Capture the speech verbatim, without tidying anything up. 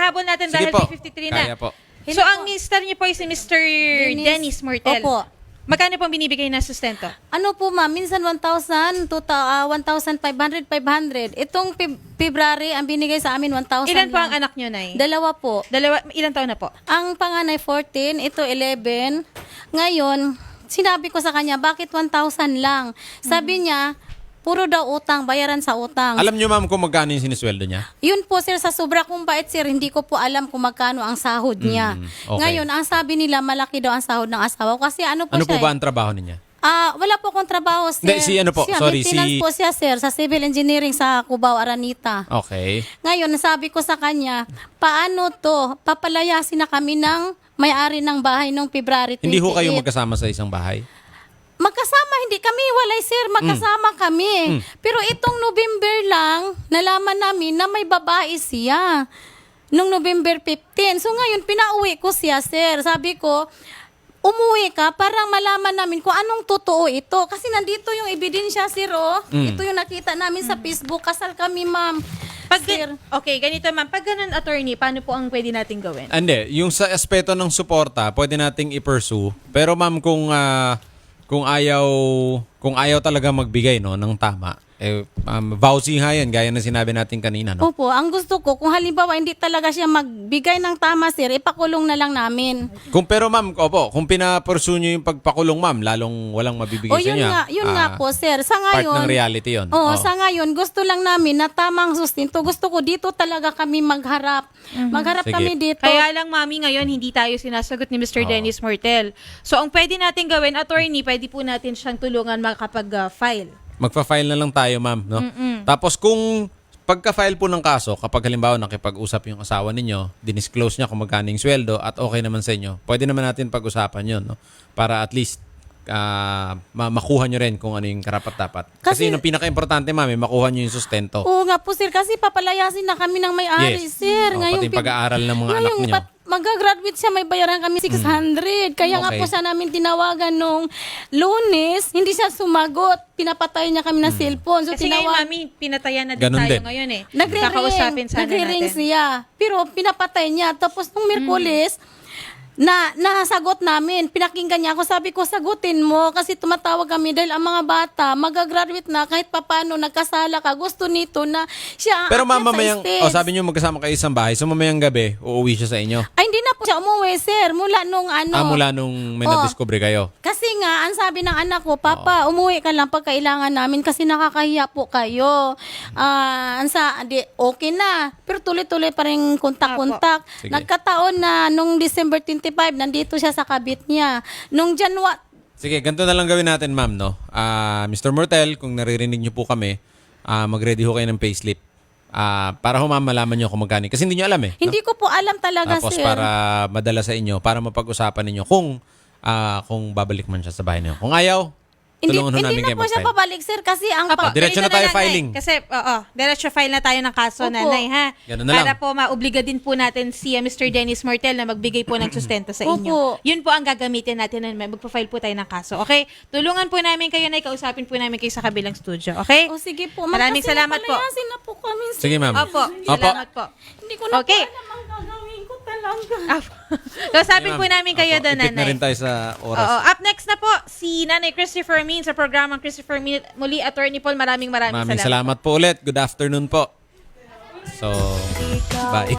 ihabol natin Sige dahil po. May fifty-three na. Kaya po. So, ang mister niyo po ay si Mister Dennis Mortel. Opo. Magkano pong binibigay na sustento? Ano po ma'am, minsan one thousand, one thousand five hundred, five hundred. Itong Feb- February, ang binigay sa amin one thousand Ilan po ang lang. anak niyo, Nay? Dalawa po. Dalawa, ilan taon na po? Ang panganay fourteen, ito eleven. Ngayon, sinabi ko sa kanya, bakit one thousand lang? Sabi niya, puro daw utang, bayaran sa utang. Alam niyo ma'am kung magkano yung sinisweldo niya? Yun po sir, sa sobra kong bait sir, hindi ko po alam kung magkano ang sahod niya. Mm, okay. Ngayon, ang sabi nila, malaki daw ang sahod ng asawa ko. Kasi ano po Ano siya po ba eh. ang trabaho niya? Ah, wala po akong trabaho sir. Hindi, si ano po, Siya, sorry, maintenance si- po siya sir, sa civil engineering sa Cubao, Aranita. Okay. Ngayon, sabi ko sa kanya, paano to? Papalayasin na kami ng may-ari ng bahay noong February twenty-eight. Hindi ho kayo magkasama sa isang bahay? Magkasama, hindi kami walay sir, magkasama kami. Mm. Pero itong November lang, nalaman namin na may babae siya. Nung November fifteenth. So ngayon, pinauwi ko siya sir. Sabi ko, umuwi ka para malaman namin kung anong totoo ito. Kasi nandito yung ebidensya sir, oh. Mm. Ito yung nakita namin sa Facebook. Kasal kami ma'am. Pag, Sir. okay, ganito ma'am. Pag ganun, attorney, paano po ang pwede natin gawin? Hindi, yung sa aspeto ng suporta, pwede nating i-pursue. Pero ma'am, kung ah, kung ayaw kung ayaw talaga magbigay no ng tama, eh um, vouchy nga yan, gaya na sinabi natin kanina, no? Opo, ang gusto ko, kung halimbawa hindi talaga siya magbigay ng tama sir, ipakulong na lang namin. Kung pero ma'am, opo, kung pinapursue nyo yung pagpakulong ma'am, lalong walang mabibigay O sa yun inyo. nga, yun Ah, nga po sir. Sa Part ngayon, ng reality yun. Oo, Oo. sa ngayon, gusto lang namin na tamang sustinto. Gusto ko dito talaga kami magharap. Magharap Sige. kami dito. Kaya lang, mami, ngayon hindi tayo sinasagot ni Mister Oo. Dennis Mortel. So, ang pwede natin gawin, attorney, pwede po natin siyang tulungan makapag-file. Magpa-file na lang tayo, ma'am, no? Tapos kung pagka-file po ng kaso, kapag halimbawa nakipag-usap yung asawa ninyo, dinisclose niya kung magkano yung sweldo at okay naman sa inyo, pwede naman natin pag-usapan yun, no? Para at least ah, ma- makuha nyo rin kung ano yung karapat-dapat. Kasi, Kasi- yung pinaka-importante, ma'am, eh, makuha nyo yung sustento. Oo nga po sir, kasi papalayasin na kami ng may-ari Yes. sir. Oo, Ngayong pati yung pag-aaral ng mga anak ngayong niyo. pat- mag-graduate siya, may bayaran kami six hundred. Kaya nga Okay. po sa namin tinawagan nung Lunes, hindi siya sumagot. Pinapatay niya kami ng cellphone. So Kasi ngayon, tinawag. mami, pinatayan na din Ganun tayo din. ngayon eh. Nagre-ring. Kakausapin sana Nagre-ring natin. siya. Pero pinapatay niya. Tapos nung Miyerkules, na nasagot namin. Pinakinggan niya ako. Sabi ko, sagutin mo. Kasi tumatawag kami dahil ang mga bata, mag-graduate na kahit papano nagkasala ka. Gusto nito na siya Pero ma'am, aakyat sa mamayang, stage. oh, sabi nyo magkasama kayo isang bahay, so mamayang gabi, uuwi siya sa inyo. Ay, hindi na po siya umuwi, sir. Mula nung ano. Ah, mula nung may Oh. na-discover kayo. Kasi nga, ang sabi ng anak ko, Papa, umuwi ka lang pag kailangan namin kasi nakakahiya po kayo. Ah, ang sa, di, okay na. Pero tuloy-tuloy pa rin kontak-kontak. Sige. Nagkataon na nung December twenty-five, nandito siya sa kabit niya. Nung January, Sige, ganito na lang gawin natin, ma'am, no? Ah, Mister Mortel, kung naririnig niyo po kami, ah, mag-ready ho kayo ng payslip. Ah, para ho, ma'am, malaman niyo kung magkano. Kasi hindi niyo alam eh. no? hindi ko po alam talaga, Tapos sir. para madala sa inyo, para mapag-usapan ninyo kung ah, kung babalik man siya sa bahay niyo. Kung ayaw, Hindi, tulungan ho hindi namin na kayo po siya mag-file. pabalik, sir, kasi ang Apo, pa- diretso ganito na tayo lang, Nay. filing. Kasi, oo, diretso file na tayo ng kaso, Opo. nanay, ha? Ganun na Para lang. po maobliga din po natin si uh, Mister Dennis Mortel na magbigay po ng sustento sa inyo. Opo. Yun po ang gagamitin natin na magpa-file po tayo ng kaso. Okay? Tulungan po namin kayo, Nay. Kausapin po namin kayo sa kabilang studio. Okay? O sige po. Maraming Kasi salamat po. napalayasin na po kami, sir. Sige, ma'am. Opo. Opo. Salamat po. Hindi ko na Okay. po alam ang gagawin ko talaga. Opo. Kausapin po namin kayo Opo, doon, ipit na nanay. rin tayo sa oras. Oo. Up next na po, si Nanay Christopher Min sa programang Christopher Min. Muli, Attorney Paul, maraming maraming, Maraming salamat po ulit. Good afternoon po. So, bye.